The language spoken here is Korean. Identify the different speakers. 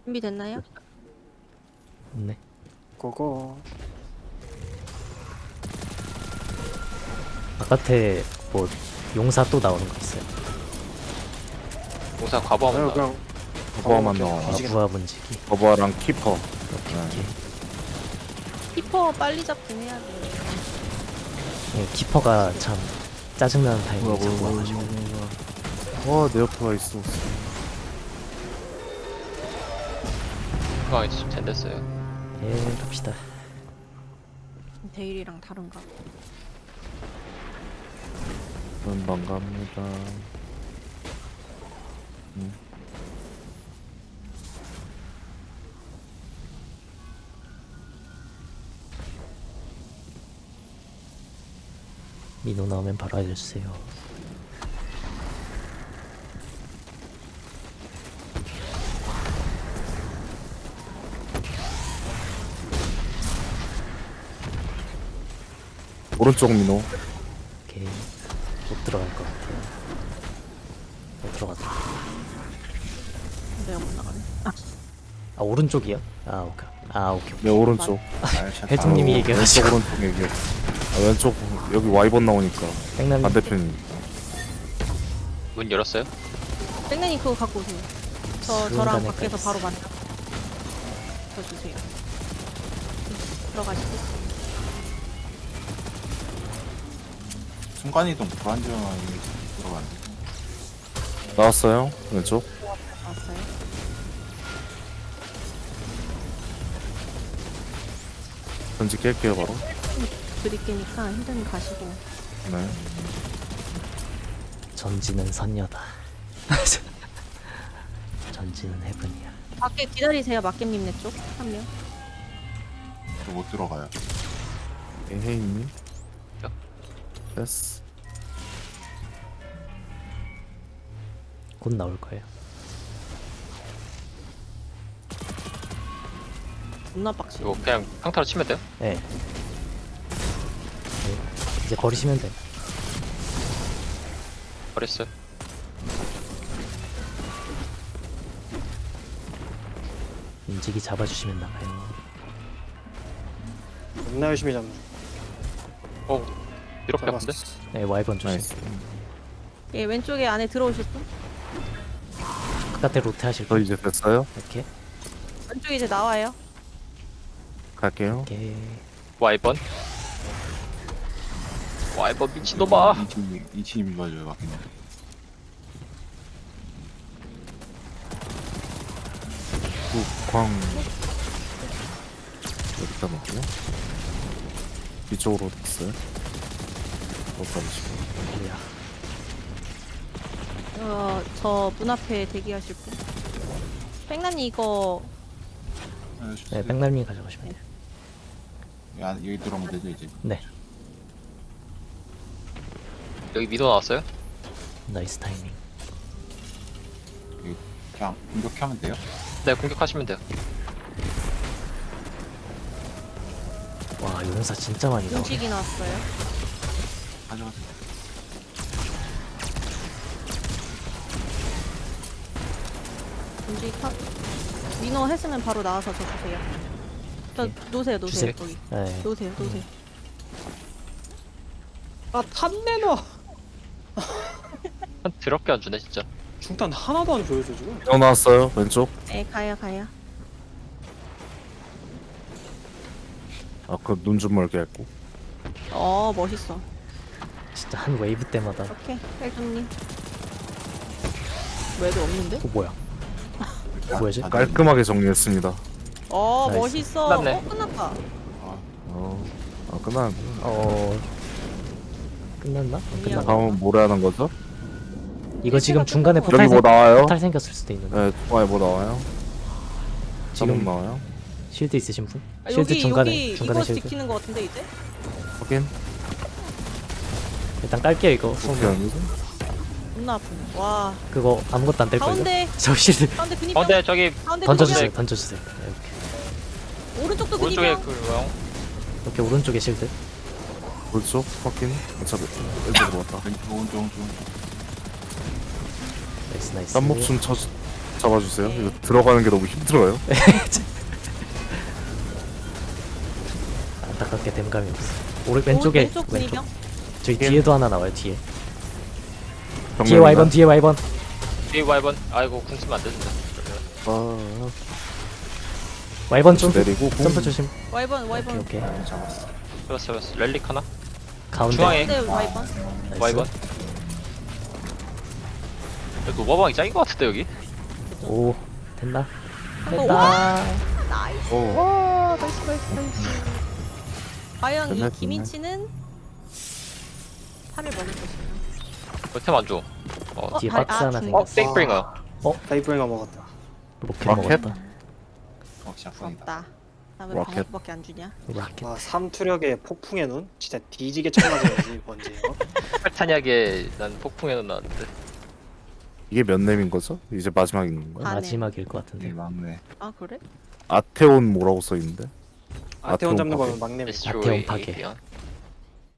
Speaker 1: 준비됐나요?
Speaker 2: 네.
Speaker 3: 고고.
Speaker 2: 바깥에 뭐 용사 또 나오는 거 있어요.
Speaker 4: 공사 과부하면 나.
Speaker 3: 그냥
Speaker 5: 거부하만
Speaker 3: 오케이.
Speaker 5: 나와.
Speaker 3: 움직이나.
Speaker 2: 부하 분지기.
Speaker 5: 거부하랑 키퍼.
Speaker 2: 오케이.
Speaker 1: 키퍼 빨리 잡긴 해야 돼.
Speaker 2: 네, 키퍼가 참 짜증나는 타이밍에 자꾸 와가지고.
Speaker 5: 와, 내 옆에 와 있어.
Speaker 4: 중앙에 지금 젠 됐어요.
Speaker 2: 예, 갑시다.
Speaker 1: 데일이랑 다른가?
Speaker 5: 금방 갑니다.
Speaker 2: 민호 나오면 바로 알려주세요.
Speaker 5: 오른쪽 민호.
Speaker 2: 오케이. 못 들어갈 것 같아요. 못 들어갔다.
Speaker 1: 내가 못 나가네.
Speaker 2: 아, 오른쪽이요? 아, 오케이. 아, 오케이.
Speaker 5: 네, 오른쪽.
Speaker 2: 헬통님이 얘기해가지고.
Speaker 5: 왼쪽 오른쪽 얘기해. 아, 왼쪽 여기 와이번 나오니까
Speaker 2: 백남
Speaker 5: 반대편.
Speaker 4: 문 열었어요?
Speaker 1: 땡땡이 그거 갖고 오세요. 저랑
Speaker 2: 순간에
Speaker 1: 밖에서
Speaker 2: 깔았어.
Speaker 1: 바로 만나. 저 주세요. 들어가시고.
Speaker 6: 순간이동 불안정함이 들어가는데
Speaker 5: 나왔어요. 왼쪽.
Speaker 1: 왔어요.
Speaker 5: 전지 깰게요 바로.
Speaker 1: 드릴게니까 힘든 가시고.
Speaker 5: 네.
Speaker 2: 전지는 선녀다. 전지는 해븐이야.
Speaker 1: 밖에 기다리세요. 막겜님 네 쪽. 한 명.
Speaker 6: 못 들어가요.
Speaker 5: 에헤이님.
Speaker 4: 야.
Speaker 5: 됐어.
Speaker 2: 곧 나올 거예요.
Speaker 1: 존나 빡시.
Speaker 4: 이거 그냥 평타로 치면 돼요?
Speaker 2: 네. 네. 이제 버리시면 돼요.
Speaker 4: 버렸어요.
Speaker 2: 인지기 잡아주시면 나가요.
Speaker 3: 겁나 열심히 잡네.
Speaker 4: 이렇게 아픈데?
Speaker 3: 잡았어.
Speaker 2: 네, 와이번 조심.
Speaker 5: 나이스.
Speaker 1: 예, 왼쪽에 안에 들어오실 분?
Speaker 2: 바깥에 로테 하실
Speaker 5: 저
Speaker 2: 분.
Speaker 5: 이제 됐어요.
Speaker 2: 이렇게.
Speaker 1: 왼쪽에 이제 나와요.
Speaker 5: 갈게요.
Speaker 2: 이렇게.
Speaker 4: 와이번. 와이번 미친놈아.
Speaker 6: 이 팀이 맞아요, 맞긴 해.
Speaker 5: 광. 여기다 놓고요. 이쪽으로 됐어요. 못 가지고.
Speaker 2: 뭐야.
Speaker 1: 저 문 앞에 대기하실 분. 백남이 이거
Speaker 2: 네, 백날미 가져가시면 돼요.
Speaker 6: 여기 들어오면 되죠 이제.
Speaker 2: 네.
Speaker 4: 여기 미도 나왔어요?
Speaker 2: 나이스 타이밍.
Speaker 6: 그냥 공격하면 돼요.
Speaker 4: 네, 공격하시면 돼요.
Speaker 2: 와, 용사 진짜 많이 나오네.
Speaker 1: 음식이 나왔어요.
Speaker 6: 가져가세요.
Speaker 1: 음식이 타. 민호 했으면 바로 나와서 저 주세요. 저
Speaker 2: 예.
Speaker 1: 놓으세요, 놓으세요.
Speaker 2: 주세요.
Speaker 1: 거기.
Speaker 2: 네.
Speaker 1: 놓으세요, 놓으세요.
Speaker 3: 아 탄내놔.
Speaker 4: 한 더럽게 안 주네 진짜.
Speaker 3: 중탄 하나도 안 줘요 저 지금.
Speaker 5: 민호 나왔어요. 왼쪽.
Speaker 1: 네, 가요, 가요.
Speaker 5: 그 눈 좀 멀게 했고.
Speaker 1: 멋있어.
Speaker 2: 진짜 한 웨이브 때마다.
Speaker 1: 오케이, 헬준님. 왜도 없는데?
Speaker 2: 뭐야? 뭐야지?
Speaker 5: 깔끔하게 정리했습니다.
Speaker 2: 나이스.
Speaker 1: 멋있어.
Speaker 4: 끝났네.
Speaker 1: 끝났다.
Speaker 5: 끝나고.
Speaker 2: 끝났나? 안 끝났나?
Speaker 5: 다음은 뭘 하는 거죠?
Speaker 2: 이거 지금 중간에
Speaker 1: 여기
Speaker 2: 포탈,
Speaker 5: 여기 뭐 나와요?
Speaker 2: 포탈 생겼을 수도 있는데.
Speaker 5: 네, 와에 뭐 나와요?
Speaker 2: 지금
Speaker 5: 지금 나와요?
Speaker 2: 쉴드 있으신 분?
Speaker 1: 아,
Speaker 2: 쉴드
Speaker 1: 여기
Speaker 2: 중간에
Speaker 1: 이거
Speaker 2: 쉴드.
Speaker 1: 지키는 거 같은데 이제?
Speaker 5: 확인.
Speaker 2: 일단 깔게요 이거.
Speaker 5: 어떻게 하는 거죠?
Speaker 1: 존나 아프네. 와.
Speaker 2: 그거 아무것도 안 될 걸요.
Speaker 1: 가운데,
Speaker 2: 저 쉴드
Speaker 1: 가운데 근입병.
Speaker 4: 근데 저기
Speaker 1: 가운데
Speaker 2: 던져주세요.
Speaker 1: 근입병.
Speaker 2: 던져주세요. 네, 이렇게.
Speaker 1: 오른쪽도
Speaker 4: 오른쪽에
Speaker 1: 근입병.
Speaker 4: 그
Speaker 2: 이렇게 오른쪽에 쉴드.
Speaker 5: 오른쪽 확인. 어차피 왼쪽으로 왔다.
Speaker 6: 왼쪽 오른쪽 오른쪽.
Speaker 2: 나이스 나이스.
Speaker 5: 딴목 좀 잡아주세요.
Speaker 1: 네.
Speaker 5: 이거 들어가는 게 너무 힘들어요.
Speaker 2: 안타깝게 댐감이 없어. 왼쪽에
Speaker 1: 왼쪽 군이병.
Speaker 2: 저기 뒤에도 하나 나와요. 뒤에. 뒤에
Speaker 5: 정면이나?
Speaker 2: 와이번 뒤에 와이번.
Speaker 4: 뒤에 와이번. 아이고 궁 쓰면 안 된다. 그러면
Speaker 2: 와이번 좀
Speaker 5: 내리고
Speaker 2: 점프 조심.
Speaker 1: 와이번
Speaker 2: 오케이
Speaker 1: 와이번.
Speaker 2: 오케이.
Speaker 6: 잡았어.
Speaker 4: 잡았어. 렐릭 하나.
Speaker 2: 가운데.
Speaker 4: 중앙에.
Speaker 1: 네 와이번.
Speaker 2: 나이스.
Speaker 4: 와이번. 여기 노바방이 짱인 것 같은데 여기.
Speaker 2: 오 됐나?
Speaker 1: 한번
Speaker 2: 됐다.
Speaker 1: 나이스.
Speaker 5: 오.
Speaker 1: 와 나이스 나이스 나이스. 과연
Speaker 5: 됐네,
Speaker 1: 이 김인치는 3일 먹을 것인가?
Speaker 4: 템 안 줘.
Speaker 2: 뒤에
Speaker 1: 발-
Speaker 2: 박스 하나
Speaker 1: 중국.
Speaker 2: 생겼어.
Speaker 4: 땡브링어.
Speaker 3: 다이브링어 먹었다.
Speaker 2: 로켓
Speaker 5: 로켓?
Speaker 2: 먹었다.
Speaker 6: 역시 악성이다.
Speaker 1: 부럽다. 나왜
Speaker 5: 로켓.
Speaker 1: 방어밖에 안 주냐?
Speaker 2: 로켓.
Speaker 3: 와 삼투력의 폭풍의 눈? 진짜 뒤지게 쳐맞아야지 뭔지.
Speaker 4: 팔탄약에 난 폭풍에는 나왔는데.
Speaker 5: 이게 몇 렘인 거죠? 이제 마지막인 건가요?
Speaker 1: 아, 네.
Speaker 2: 마지막일 것
Speaker 6: 이
Speaker 2: 같은데.
Speaker 6: 막내.
Speaker 1: 아 그래?
Speaker 5: 아테온 뭐라고 써 있는데?
Speaker 3: 아테온 잡는
Speaker 5: 아테온
Speaker 3: 거는 막내미.
Speaker 4: 데스트로이
Speaker 2: 아테온 파괴.
Speaker 4: 에이리언.